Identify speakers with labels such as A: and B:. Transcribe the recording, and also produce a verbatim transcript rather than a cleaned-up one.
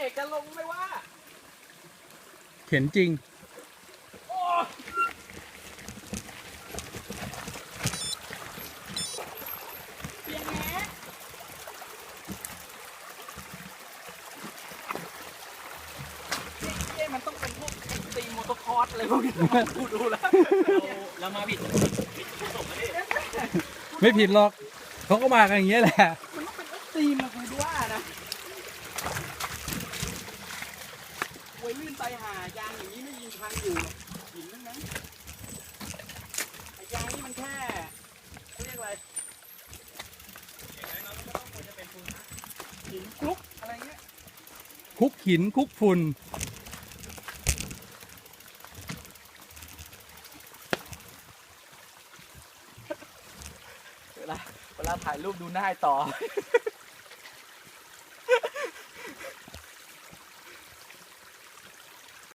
A: กจะลงไม่ว่า
B: เข็นจริง
A: โอ้เปียงแง่เอ๊ะมันต้องเป็นพวกตีมอเตอร์คอร์สอะไรพวกนี้ดูดูแล้วเรามาผิดผิดส่งมาดิ
B: ไม่ผิดหรอกเขาก็มากันอย่างเงี้ยแหละ
A: มันต้องเป็นตีมนะคุณว่านะโวยลื่นไปหายางอย่างนี้ไม่ยิงพังอยู่หินทั้งนั้นไอ้ยางนี่มันแค่เขาเรียกอะไรหินคลุกอะไรเงี้ย
B: คุกหินคุกฝุ่น
A: เวลาเวลาถ่ายรูปดูหน้าต่อ